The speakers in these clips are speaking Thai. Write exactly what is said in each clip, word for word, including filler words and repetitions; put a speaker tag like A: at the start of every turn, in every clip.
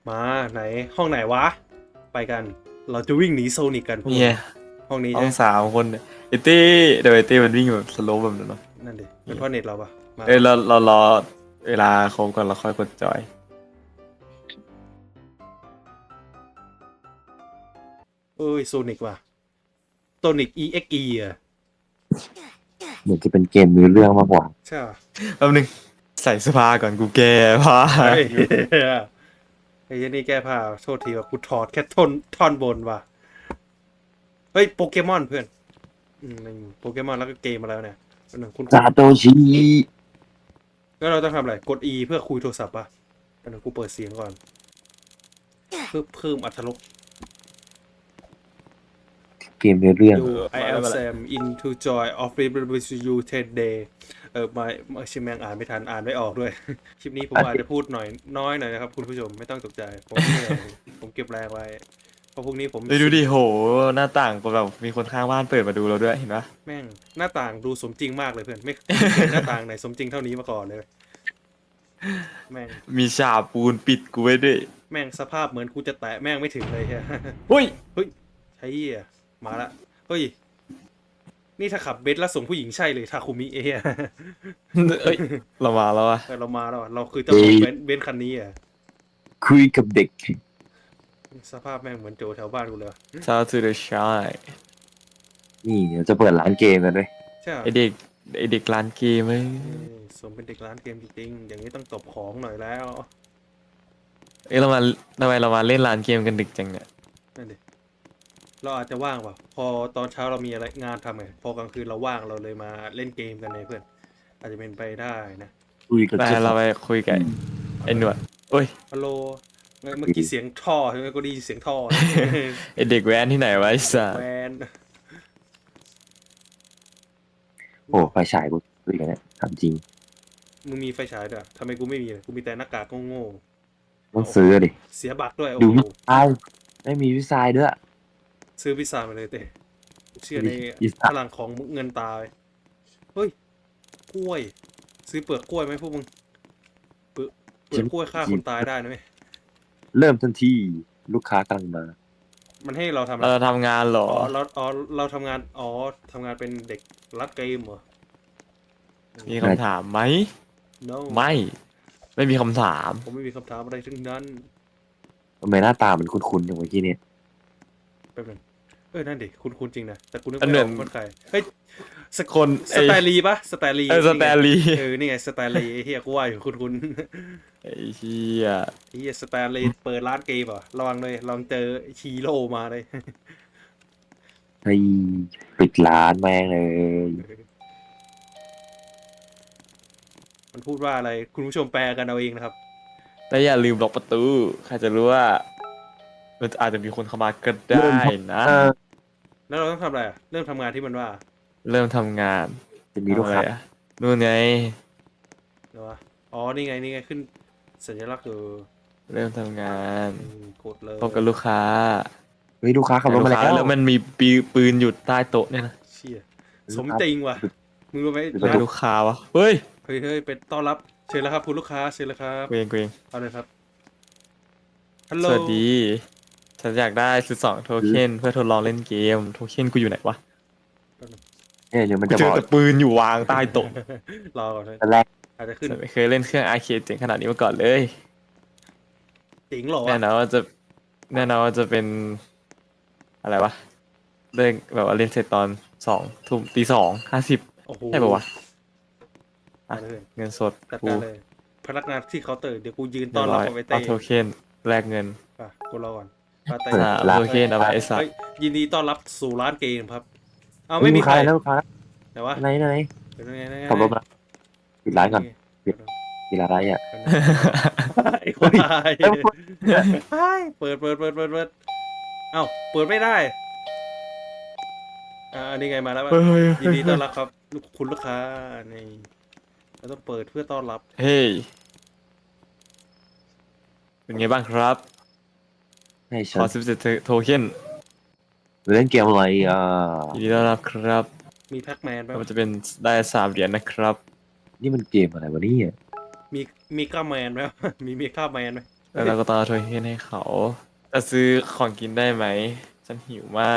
A: มาไหนห้องไหนวะไปกันเราจะวิ่งหนีโซนิกกันพวก
B: เนี่ย
A: ห้องนี้
B: ห้อ
A: ใช่
B: งสามคนเนี่ยไอเต้เดี๋ยวไอเต้มันวิ่งแบบสโลว์แบบนั้นเนาะ
A: นั่นดิเป็นเพราะเน็ตเราปะมา
B: เอ้ย
A: มา
B: เราเรารอเวลาครบก่อนเราค่อยกดจอย
A: เอ้ยโซนิกว่ะโซนิก อี เอ็กซ์ อี อ่ะ
C: เหมือนจะเป็นเกมมีเรื่องมากกว่า
A: ใช่ปะ
B: แป๊บนึงใส่เสื้อผ้าก่อนกูแก้ผ้า
A: เฮ้ยไอ้เหี้ยนี่แก้ผ้าโทษทีว่ากูถอดแค่ท่อนท่อนบนว่ะเฮ้ยโปเกมอนเพื่อนอืมนี่โปเกมอนแล้วก็เกมมาแล้วเนี่ยอันหนึ่งคุณ
C: ซาโตชิ
A: แล้วเราต้องทำอะไรกด E เพื่อคุยโทรศัพท์ป่ะอันหนึ่งกูเปิดเสียงก่อนเพื่อเพิ่มอรรถรส
C: เกมมีเรื่อง
A: You I am Sam into joy of with you today เออมามาชิมแมงอ่านไม่ทันอ่านไม่ออกด้วย คลิปนี้ผมอาจจะพูดหน่อยน้อยหน่อยนะครับคุณผู้ชมไม่ต้องตกใจผมเหนื่อยผมเก็บแรงไว้เพราะพรุ่งนี้ผม
B: เลยดูดิโหหน้าต่างก็แบบมีคนข้างบ้านเปิดมาดูเราด้วยเห็นปะ
A: แม่งหน้าต่างดูสมจริงมากเลยเพื่อนไม่ไม่เคยเห็นหน้าต่างไหนสมจริงเท่านี้มาก่อนเลยแม่ง
B: มีฉาบปูนปิดกูไว้ด้วย
A: แม่งสภาพเหมือนกูจะแตะแม่งไม่ถึงเลยเฮีย
B: เฮ้ย
A: เฮ้ยใช่เหี้ยมาละเฮ้ยนี่ถ้าขับเบนซ์แล้วส่งผู้หญิงใช่เลยทาคุมิเอ้ย
B: เอ้ยเรามาแล้วอะ
A: เรามาแล้วอะเราคือเจ้าของเบนซ์เบนซ์คันนี้อ่ะ
C: คุยกับเด็ก
A: สภาพแม่งเหมือนโจแถวบ้านกูเลยว่ะ
B: Shout to the shy
C: นี่เดี๋ยวจะเปิดร้านเกมกันด้วย
A: ใช่เหรอ
B: ไอเด็กไอเด็กร้านเกมเอ้ย
A: เอ้ยสมเป็นเด็กร้านเกมจริงๆอย่างนี้ต้องตบของหน่อยแล้ว
B: เอ้ยเรามาทำไมเรามาเล่นร้านเกมกันดึกจังเนี่ย
A: นั่นดิเราอาจจะว่างเปล่าพอตอนเช้าเรามีอะไรงานทำไงพอกลางคืนเราว่างเราเลยมาเล่นเกมกันเลยเพื่อนอาจจะเป็นไปได้นะ
C: คุยกับ
B: ไป
C: เจ้า
B: เราไปคุยกับไอ้หนวดโอ้ย
A: ฮัลโหลเมื่อกี้เสียงท่อใช่ไหมก็ได้ยินเสียงท่อ
B: ไอเด็กแว้นที่ไหนวะไอ้สัส
A: แวน
C: โอ้ไฟฉายกูคุยกันเนี่ยถามจริง
A: มึงมีไฟฉายด้วยทำไมกูไม่มีเลยกูมีแต่หน้ากากโง่
C: ต้องซื้อดิ
A: ๆเสียบัตรด้วยโอ้
C: ดู
A: โห
C: วิซายไม่มีวิซายด้วย
A: ซื้อพิซซ่ามาเลยเต้เชื่อใน
C: พิซซ่า
A: พลังของเงินตาเว้ยเฮ้ยกล้วย ซื้อเปลือกกล้วยไหมพวกมึงเปลือกเปลือกกล้วยฆ่าคนตายได้นะเว้ย
C: เริ่มทันทีลูกค้ากำลังมา
A: มันให้เราทำอะไร
B: เราทำงานเหรอ
A: อ๋อเราอ๋อเราทำงานอ๋อทำงานเป็นเด็กรักเกมเหรอ
B: มีคำถามไหม
A: no
B: ไม่ ไม่มีคำถาม
A: ผมไม่มีคำถามอะไรทั้งนั้น
C: ทำไมหน้าตามันคุ้นๆอย่างเมื่อกี้เนี่ย
A: แป๊บนึงเออนั่นดิคุณคุณจริงนะแต่กูนึก
B: อัน
A: ไม่
B: เหมื
A: อ
B: อ
A: อน กคนใครเฮ้ยส
B: คน
A: สแตลีปะสแตลี
B: เออสแตนลีย์
A: เออนี่ไงสแตลีไอ้เฮียกูว่าอยู่คุณคุณ
B: ไอ้เหี้ย
A: ไอ้เฮียสแตลีเปิดร้านเกมเหรอระวังเลยลองเจอฮีโร่มาเลย
C: ให้ปิดร้านแม่งเลย
A: มันพูดว่าอะไรคุณผู้ชมแปลกันเอาเองนะครับ
B: แต่อย่าลืมล็อกประตูใครจะรู้ว่ามันอาจจะมีคนเข้ามาก็ได้นะ
C: เออ
A: แล้วเราต้องทำอะไรอ่ะเริ่มทำงานที่มันว่า
B: เริ่มทำงาน
C: จะมีลูกค้า
B: ทำอะไรอะนู่นไง
A: เดี๋ยววะอ๋อนี่ไงนี่ไงขึ้นสัญลักษณ์คือ
B: เริ่มทำงาน
A: อืมกดเลย
B: พบกับลูกค้า
C: เฮ้ยลูกค้าขับรถมา
B: ลูกค้
C: แล้ว
B: แล้วมันมีปีปืนอยู่ใต้โต๊ะเนี่ยนะ
A: เชี่ยสมจริงว่ะมึงรู้ไหม
C: เป็น
B: เป็นลูกค้าวะเฮ้ย
A: เฮ้ยเฮ้ยเป็นต้อนรับเชิญแล้วครับคุณลูกค้าเชิญแล้วครับ
B: เกรงเกรง
A: เอาเลยครับฮัลโหล
B: สวัสดี ฉันอยากได้สิบสองโทเค็นเพื่อทดลองเล่นเกม โทเค็นกูอยู่ไหนวะ
C: เนี่ยเดี๋ยวมัน
B: กู
C: จะ
B: เจ
C: บ
B: อ
C: อก
B: แต่ปืนอยู่วางใต้โต๊ะ
A: รอก่อนเลย
C: ตอนแรก
A: อาจจะขึ้น
B: ฉันไม่เคยเล่นเครื่องอาร์เคดเจ๋งขนาดนี้มาก่อนเลย
A: จริงเหรอ
B: แน่
A: วะ
B: นอนว่าจะแน่นอนว่าจะเป็นอะไรวะเล่นแบบว่าเล่นเสร็จตอนสองทุ่มตีสองห้าสิบ
A: โอ้โห
B: ใช่ปะวะ
A: เอาเลย
B: เงินสด
A: จัด
B: กู
A: การเลยพนักงานที่เคาน์เตอร์เดี๋ยวกูยืน
B: เรี
A: ต้อย น
B: บ
A: รับ
B: ร้อย
A: เอาไว้
B: เอา
A: เต้
B: โทเค็นแลกเงิน
A: อ่ะกูรอก่อนปาเต้
B: สามโทเค็นเอาไปไอ้สัต
A: เฮ้ย
B: ว์
A: ยินดีต้อนรับสู่ร้านเกมครับ เอา
C: เฮ้
A: ไม่
C: ย
A: มี
C: ลูก
A: ใคร
C: ค้าแล้วลูกค้า
A: แต่ว่า
C: ไหนไหน
A: เป็นไงไงไง
C: ขับรถมาปิดร้านก่อนปิดร้านอะไรอ่ะ
A: ไอ้คนตาย
C: เอ้ย
A: เฮ้ยเปิดเปิดเปิดเปิดเปิดเอ้าเปิดไม่ได้อ่าอันนี้ไงมาแล้ว
B: เฮ้ยเฮ้ย
A: ยินดีต้อนรับครับลูกคุณลูกค้านี่เราต้องเปิดเพื่อต้อนรับ
B: เฮ้ยเป็นไงบ้างครับ
C: ให้
B: ข
C: ฉั
B: อน สิบเจ็ดโทเค็น
C: เล่นเกมอะไรอ่ะ
B: ยินดีต้อนรับครับ
A: มีแพ็กแมนไหม
B: มันจะเป็นได้สามเหรียญนะครับ
C: นี่มันเกมอะไรวะเนี่ย
A: มีมีก้าแมนไหม มีมีก้าแมนไหม
B: แล้วเราก็ต้องเอาโทเค็นให้เขาจะซื้อของกินได้ไหมฉันหิวมาก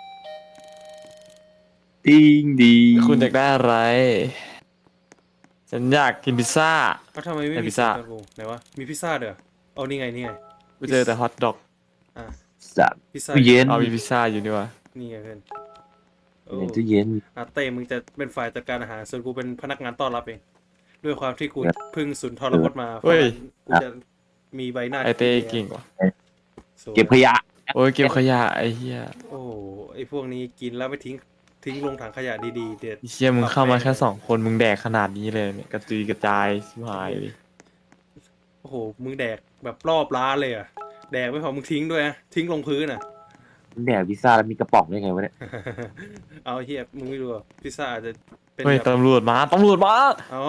C: ดิงดี
B: คุณอยากได้อะไร ฉันอยากกินพิซซ่า
A: เอ้าทำไมไม่
B: ไอ้
A: มี
B: พิซซ่า
A: เสียงตะโกนไหนวะมีพิซซ่าเด้อเอานี่ไงนี่ไง
B: กูเจอแต่ฮอทดอก
A: อ่ะ
C: สัตว์
A: พิซซ่า
C: ตู้เย็น
B: เอามีพิซซ่าอยู่นี่วะ
A: นี่ไงเพื่อนโอ้
C: ในตู้เย็น
A: อาเต้มึงจะเป็นฝ่ายจัดการอาหารส่วนกูเป็นพนักงานต้อนรับเอง ด้วยความที่กู
C: ครับ
A: เพึ่งสุนทรพจน์มาเพ
B: เฮ้
A: ราะ
B: ย
A: งั้นกูจะมีใบหน้า
B: ไอเต้
A: ที่ดี
B: เก่งว่ะ
A: สวย
C: เก็บขยะ
B: โอ้ยเก็บขยะไอ้เหี้ย
A: โอ้โหไอพวกนี้กินแล้วไม่ทิ้งทิ้งลงถังขยะดีๆเด็ด
B: ไอ้เหี้ยมึงเข้ามาแค่สองคนมึงแดกขนาดนี้เลยเนี่ยกระจุยกระจายชิบหายเลย
A: โอ้โหมึงแดกแบบรอบร้านเลยอ่ะแดกไม่พอมึงทิ้งด้วยนะทิ้งลงพื้นอ่ะ
C: แดกพิซซ่าแล้วมีกระป๋องได้ไงวะเนี่ย
A: เอาเฮียมึงไม่รู้อ่ะพิซซ่าอาจจะเป็น
B: เฮ้ย
A: แบบ
B: ตำรวจมาตำรวจมา
A: อ๋อ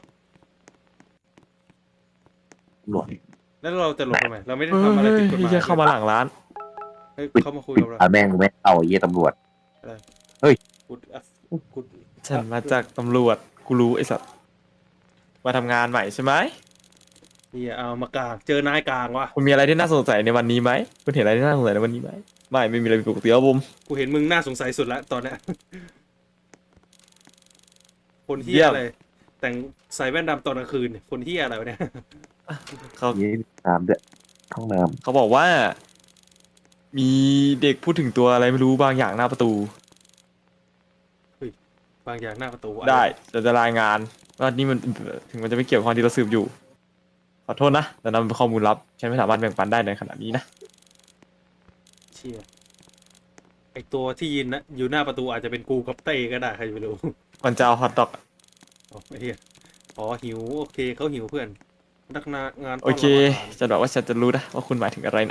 C: หลวด
A: แล้วเราจะหลบทำไมเราไม่ได้
B: เฮ้ย
A: ทำอะไร
B: เฮ้ย
A: ผิดกฎหมาย
B: เหี้ยเข้ามาหลังร้าน
A: เฮ้ยเขามาคุยกับเรา
C: อ่าแม่งไม่เอาไอ้เหี้ยตำรวจ
A: กูอ่ะกู
B: ฉันมาจากตำรวจกูรู้ไอ้สัตว์มาทำงานใหม่ใช่ไหม
A: เฮียเอามากลางเจอนายกลางวะ
B: คุณมีอะไรที่น่าสงสัยในวันนี้ไหมคุณเห็นอะไรที่น่าสงสัยในวันนี้ไหมไม่ไม่มีอะไรผิดปกติครับผม
A: กูเห็นมึงน่าสงสัยสุดละตอนเนี้ยคนเฮี
B: เยี่
A: ย
B: ยม
A: อะไรแต่งใส่แว่นดำตอนกลางคืนเนี่ยคนเฮียอะไรวะเนี่ย
B: เขา
C: เยี่น้ำด้วยห้องน้
B: เขาบอกว่า มีเด็กพูดถึงตัวอะไรไม่รู้บางอย่างหน้าประตู
A: บางอย่างหน้าประตูอะ
B: ได้จะจะรายงานว่านี่มันถึงมันจะไม่เกี่ยวกับความที่เราสืบอยู่ ขอโทษนะแต่นั่นเป็นข้อมูลลับฉันไม่สามารถแบ่งปันได้ในขณะนี้นะ
A: เชี่ยไอตัวที่ยืนนะอยู่หน้าประตูอาจจะเป็นกูกับเต้ก็ได้ใครจะไปรู้
B: มันจะเอาฮอตดอก
A: อ๋อไอ้เหี้ยอ๋อหิวโอเคเขาหิวเพื่อนพนักงานงาน
B: โอเคจะบอกว่าฉันจะรู้นะว่าคุณหมายถึงอะไรนะ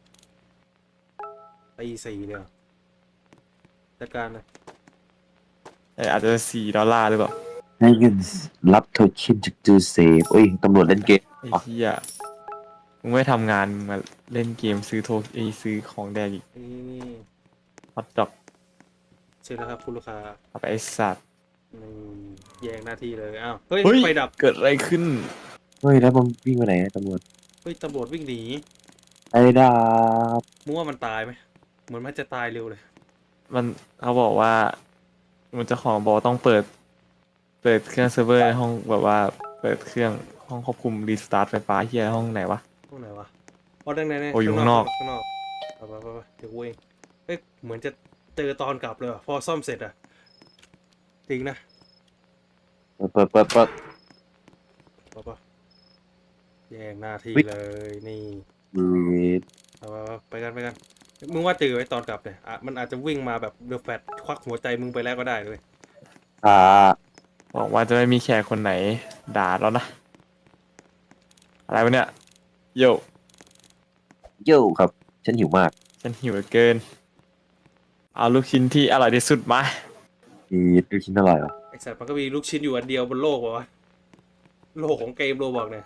A: ตีสี่เลยเหรอจัดการนะ
B: เอ่ออาจจะสี่ดอลลาร์หรือเปล่า
C: ำให้เงินรับโทเค็นจากจูเซฟโอ้ยตำรวจเล่นเกม
B: ไอ้เหี้ยมึงไม่ทำงานมึงมาเล่นเกมซื้อโทไอยซื้อของแดงอีก
A: นี่นี่
B: ฮอตดอก
A: เชิญแล้วครับคุณลูกค้า
B: เอาไปไอ้สัตว์
A: นี่แย่งหน้าที่เลยอ้าวเฮ้ย
B: เฮ้ย
A: ไฟดับ
B: เกิดอะไรขึ้น
C: เฮ้ยแล้วมันวิ่งไปไหนอะตำรวจ
A: เฮ้ยตำรวจวิ่งหนี
C: ไอ้ดาบ
A: มึงว่ามันตายไหมเหมือนมันจะตายเร็วเลย
B: มันเขาบอกว่า มันเจ้าของบอกว่าต้องเปิด เปิดเครื่องเซิร์ฟเวอร์ในห้องแบบว่าเปิดเครื่องห้องควบคุมรีสตาร์ทไฟฟ้าเฮียห้องไหนวะ
A: ห้องไหนวะอ๋อดังไหนเนี่ย
B: โอ้อยู่ข้างนอก
A: ข้างนอกไปไปไปไปเดี๋ยวกูเองเฮ้ยเหมือนจะเจอตอนกลับเลยว่ะพอซ่อมเสร็จอะจริงนะ
C: เปิดเปิดเปิดเปิด
A: ปะปะแย่งหน้าที่
C: วิ
A: เลยนี่
C: วีด
A: เอาไปไปไปกันไปกันมึงว่าเจอไว้ตอนกลับเนี่ยอ่ะมันอาจจะวิ่งมาแบบเดอะแฟตควักหัวใจมึงไปแล้วก็ได้เลย
C: อ่า
B: บอกว่าจะไม่มีแขกคนไหนด่าแล้วนะ อะไรวะเนี่ยโย
C: โย่ครับ ฉันหิวมาก
B: ฉันหิวเหลือเกิน เอาลูกชิ้นที่อร่อยที่สุดมา
C: อีดดูชิ้นอร่อยเหรอ
A: ไอสัตว์มันก็มีลูกชิ้นอยู่อันเดียวบนโลกวะโลกของเกมโรบอกเนี่ย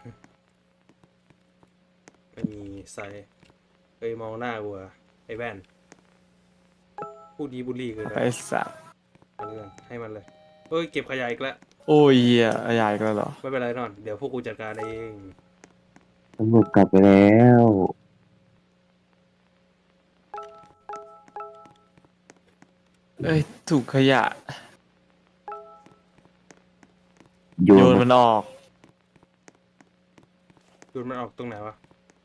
A: ไม่มีใส่เอ้ยมองหน้ากูอะไอแว่นพูดดีบุลลี่เกิน
B: ไป
A: ไป
B: สัตว์
A: เอาเรื่องให้มันเลยเอ้ยเก็บขยะอีกแล้ว
B: โอ้ยเหี้ยใหญ่ก็เหรอ
A: ไม่เป็นไรนอนเดี๋ยวพวกกูจัดการเอง
C: ตำรวจกลับไปแล้ว
B: เอ้ยถูกขยะ
C: โย
B: โย
C: น
B: น
C: มั
B: มัน นออก
A: ดูมันออกตรงไหนวะ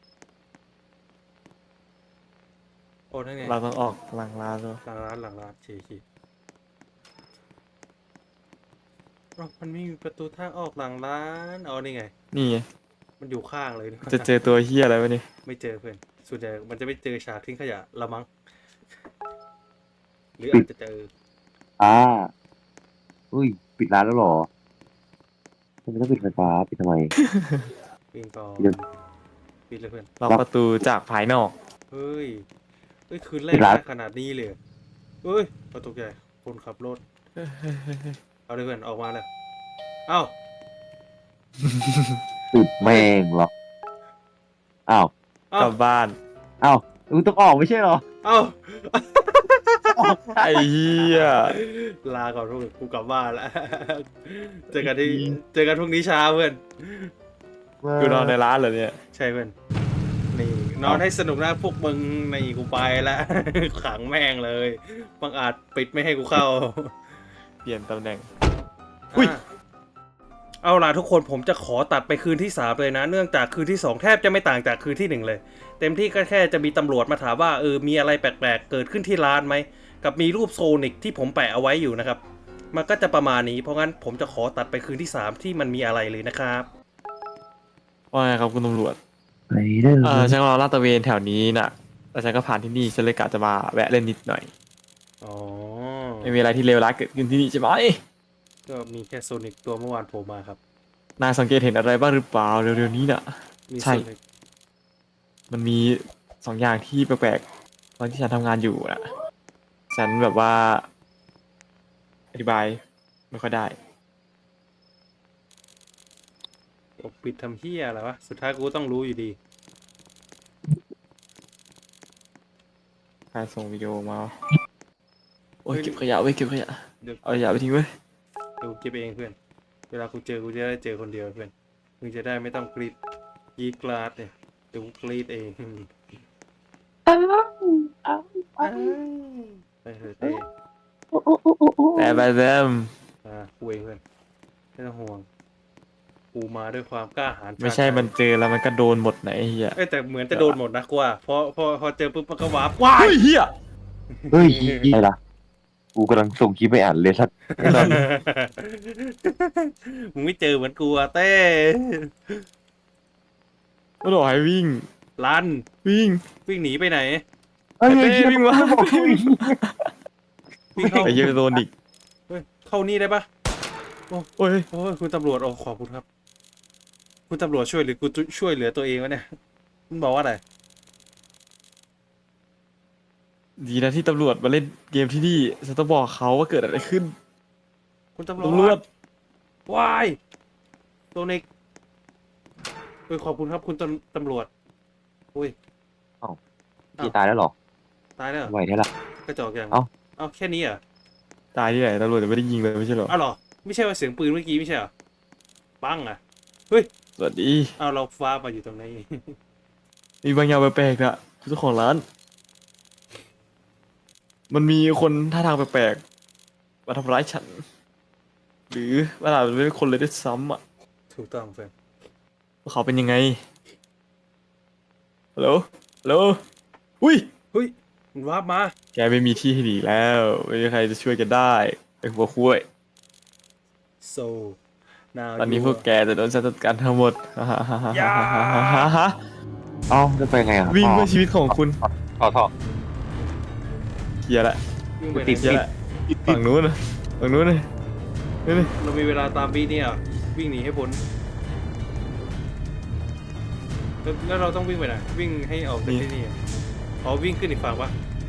A: โอ้นั่นไง
B: เราต้องออกหลังร้านด้วย
A: หลังร้านหลังร้านชีชีอ้าวมันไม่มีประตูทางออกหลังร้านอ๋อนี่ไง
B: นี่ไง
A: มันอยู่ข้างเลยนี่
B: จะเจอตัวเฮียอะไรวะนี่
A: ไม่เจอเพื่อนส่วนใหญ่มันจะไม่เจอฉากทิ้งขยะละมั้งหรืออาจจะเจอ
C: อ่าอุ้ย ปิดร้านแล้วเหรอทำไมต้องปิดไฟฟ้า ปิดทำไม
A: ปิงปอง
C: เดี๋ยว
A: ปิดเลยเพื่อน
B: ล็อกประตูจากภายนอก
A: เฮ้ยเฮ้ยคืนแร
C: ปิ
A: ก
C: ดร้าน
A: ได้ขนาดนี้เลยเหรอเฮ้ยประตูใหญ่คนขับรถเอาเลยเพื่อนออกมาเลยเอ้า
C: ปิดแม่งหรอกอ้าว
A: เอ้าก
B: ลับบ้าน
C: อ้าวมึงต้องออกไม่ใช่เหรอ
A: เอ้า
B: ไอ้เฮีย
A: ลาก่อนพวกกูกลับบ้านแล้ว เจอกันที่เจอกันพรุ่งนี้เช้าเพื่อน
B: กูนอนในร้านเหรอเนี่ย
A: ใช่เพื่อนนี่นอนให้สนุกนะพวกมึงนี่กูไปแล้ว ขังแม่งเลยบังอาจปิดไม่ให้กูเข้า
B: เปลี่ยนตำแหน่ง อุ๊ย
A: อ่ะเอาล่ะทุกคนผมจะขอตัดไปคืนที่สามเลยนะ เนื่องจากคืนที่สองแทบจะไม่ต่างจากคืนที่หนึ่งเลย เต็มที่ก็แค่จะมีตำรวจมาถามว่าเออมีอะไรแปลกๆเกิดขึ้นที่ร้านไหมกับมีรูปโซนิกที่ผมแปะเอาไว้อยู่นะครับมันก็จะประมาณนี้เพราะงั้นผมจะขอตัดไปคืนที่สามที่มันมีอะไรเลยนะครับ
B: ว่าไงครับคุณตำรวจ
C: ไปเด้อ
B: เออฉันรอลาดตระเวนแถวนี้น่ะแล้วฉันก็ผ่านที่นี่ฉันเลยกะจะมาแวะเล่นนิดหน่อย
A: อ๋อ
B: ไม่มีอะไรที่เลวร้ายเกิดขึ้นที่นี่ใช่ไหม
A: ก็มีแค่โซนิกตัวเมื่อวานโผล่มาครับ
B: นายสังเกตเห็นอะไรบ้างหรือเปล่าเร็วๆนี้น่ะ
A: มี
B: ใช่
A: โซนิก
B: มันมีสองอย่างที่แปลกๆตอนที่ฉันทำงานอยู่น่ะ ฉันแบบว่า อธิบายไม่ค่อยได้
A: ปกปิดทำเฮียอะไรวะสุดท้ายกูก็ต้องรู้อยู่ดี
B: ใครส่งวิดีโอมา โอ้ยเก็บขยะไว้ยเก็บขยะ
A: เดี๋ยว
B: เอาขยะไปทิ้งไว้ย
A: เดี๋ยวกูเก็บเองเพื่อนเวลากูเจอกูจะได้เจอคนเดียวเพื่อนมึงจะได้ไม่ต้องกรีดกรีดกราดเนี่ยเดี๋ยวกูกรีดเอง
C: อ้าวอ้าวอ้าว
A: ไปเถอะเต้
C: โอ้โอ้โอ้โอ้โอ้
B: แต่ไปแซม
A: อ่ากูเองเพื่อนไม่ต้องห่วงกูมาด้วยความกล้าหาญ
B: ไม่ใช่มันเจอแล้วมันก็โดนหมดไหนะไอ้เหี้ย
A: เอ้ยแต่เหมือนจะโดนหมดนะกูว่าพอพอพอเจอปุ๊บมันก็วาร์ปว้าย
B: เฮ้ยเหี้ย
C: เฮ้ยอะไรล่ะกูกำลังส่งคลิปไปอ่านเลยสัตว์ไอ้สัตว์
A: มึงไม่เจอเหมือนกูอะเต้
B: ก็บอกให้วิ่ง
A: ลัน
B: วิ่ง
A: วิ่งหนีไปไหน
C: เฮ้ย
B: เต้
C: เหี้ย
B: วิ่งมา
A: วิ่งเข้า
B: ไอ้เหี้ยโดนอีก
A: เฮ้ยเข้านี่ได้ปะ
B: โอ้ย
A: โอ้ยคุณตำรวจโอ้ขอบคุณครับ คุณตำรวจช่วยหรือกูช่วยเหลือตัวเองวะเนี่ยมึงบอกว่าอะไร
B: ดีนะที่ตำรวจมาเล่นเกมที่นี่ฉันต้องบอกเขาว่าเกิดอะไรขึ้น
A: คุณตำร
B: ตำร
A: ว
B: ว
A: จ
B: จ
A: วายโซนิกเอ้ยขอบคุณครับคุณตำตำรวจอุ้ย
C: พี่ตายแล้วเหรอ
A: ตายแล้วเหรอ
C: ไหวได้ละ
A: กระจอกอย่าง
C: เอ้า
A: เอ้าแค่นี้เหรอ
B: ตายที่ไหนตำรวจจะไม่ได้ยิงเลยไม่ใช่เหรอ
A: เอ้าเหรอไม่ใช่ว่าเสียงปืนเมื่อกี้ไม่ใช่เหรอปังอ่ะ
B: สวัสดี
A: เอาเราฟ้ามาอยู่ตรงนี้
B: มีบางอย่างแปลกๆนะเจ้าของร้าน มันมีคนท่าทางแปลกๆมาทำร้ายฉัน หรือว่าอาจจะไม่เป็นคนเลยด้วยซ้ำอ่ะ
A: ถูกต้องเฟรน
B: ว่าเขาเป็นยังไงฮัลโหลฮัลโหลอุ้ย
A: เฮ้ยมันวาร์ปมา
B: แกไม่มีที่ให้หนีแล้วไม่มีใครจะช่วยแกได้ไอ้หัวคุ้ย
A: so now
B: ตอนนี้
A: you
B: พวกแกจะโดนจัดการทั้งหมด
A: อย่า
C: เอ้าจะไปไงอ่ะ
B: วิ่งเพื่อชีวิตของคุณ
C: ต่อต่อ
B: เฮียละ
A: วิ่งไปไห
C: ติด
A: น
B: เฮียละฝั่งนู้นนะฝั่งนู้นนะนี่นี่
A: เรามีเวลาตามบีเนี่ยวิ่งหนีให้พ้นแล้วแล้วเราต้องวิ่งไปไหนวิ่งให้ออกจากที่นี่อะอ๋อวิ่งขึ้นอีกฝั่งปะ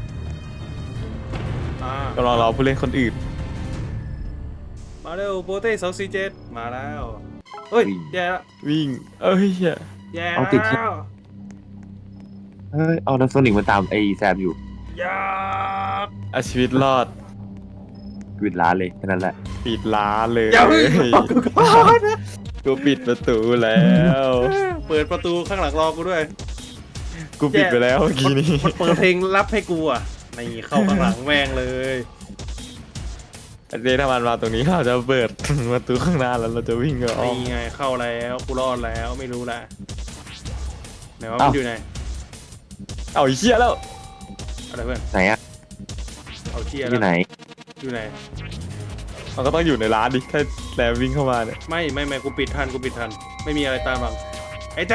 A: อ่าก
B: ำลังรอผู้เล่นคนอื่น
A: มาเร็วโปเต้สองสี่เจ็ดมาแล้วเฮ้ยแย่ละ
B: วิ่ง เอ้ยเฮีย
A: แย่
C: เอาติด
A: แล้ว
C: เฮ้ยเอาแล้วโซนิกมาตามไอ้แซมอยู่
A: อยา
B: เอาชีวิตรอด
C: วิดร้านเลยแค่นั้นแหละ
B: ปิดร้านเลย
A: อย่าเพิ่งบอกกูก่อนนะ
B: กูปิดประตูแล้ว
A: เปิดประตูข้างหลังรอกูด้วย
B: กูปิดไปแล้วเมื่อกี้นี้
A: มันเปิดเพลงรับให้กูอ่ะนี่เข้าข้างหลังแม่งเลย
B: อันนี้ถ้ามันมาตรงนี้เราจะเปิดประตูข้างหน้าแล้วเราจะวิ่งออก
A: นี่ไงเข้าแล้วกูรอดแล้วไม่รู้ละไหนว่ามันอยู่ไหน
B: เอาไอ้เชี่ยแล้ว
A: อะไรเพื่อน
C: ไหนอ่ะ
A: เอาเชีย
C: อ
A: แล้
C: ยู่
A: ว
C: ไหน
A: อยู่ไหน
B: มันก็ต้องอยู่ในร้านดิถ้าแซมวิ่งเข้ามาเนี่ย
A: ไม่ไม่ไม่กูปิดทันกูปิดทัน ไม่มีอะไรตามหลังไอ้เต้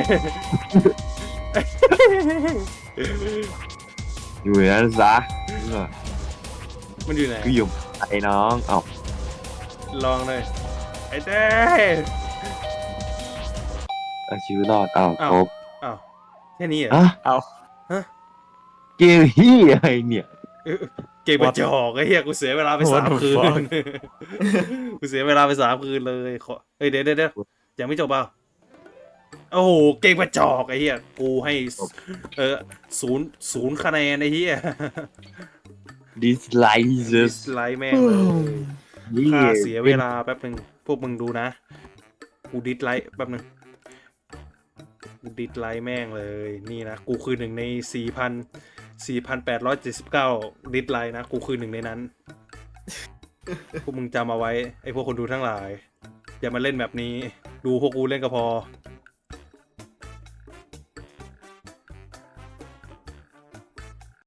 C: อยู่ในนั้นซะเออ
A: มันอยู่ไหน
C: กูอยู่ไอ้น้องเอ้า
A: ลองเลยไอ้เต้
C: เอาชีวิตรอดเอ้า
A: อ้าว
C: ครบ
A: อ้าวแค่นี้เหรอ
C: อะ
B: เอา
C: เกมฮี่อะไรเนี่ย
A: เออเกมกระจอกไอ้เหี้ยกูเสียเวลาไปสาม
B: What the
A: คืน
B: fuck
A: กูเสียเวลาไปสามคืนเลยขอเฮ้ยเดี๋ยวเดี๋ยวเดี๋ยวยังไม่จบเปล่าโอ้โหเกมกระจอกไอ้เหี้ยกูให้เออศูนย์ศูนย์คะแนนไอ้เหี้ย
C: ดิสไล
A: ดิ
C: ซ์
A: สไลค์แม่งเลยค่าเสียเวลาแป๊บหนึ่งพวกมึงดูนะ กูดิสไลค์แป๊บหนึ่งดิสไลค์แม่งเลยนี่นะกูคือหนึ่งในสี่พันสี่พันแปดร้อยเจ็ดสิบเก้าดิสไลค์นะกูคือหนึ่งในนั้น พวกมึงจำเอาไว้ไอ้พวกคนดูทั้งหลาย อย่ามาเล่นแบบนี้ดูพวกกูเล่นก็พอ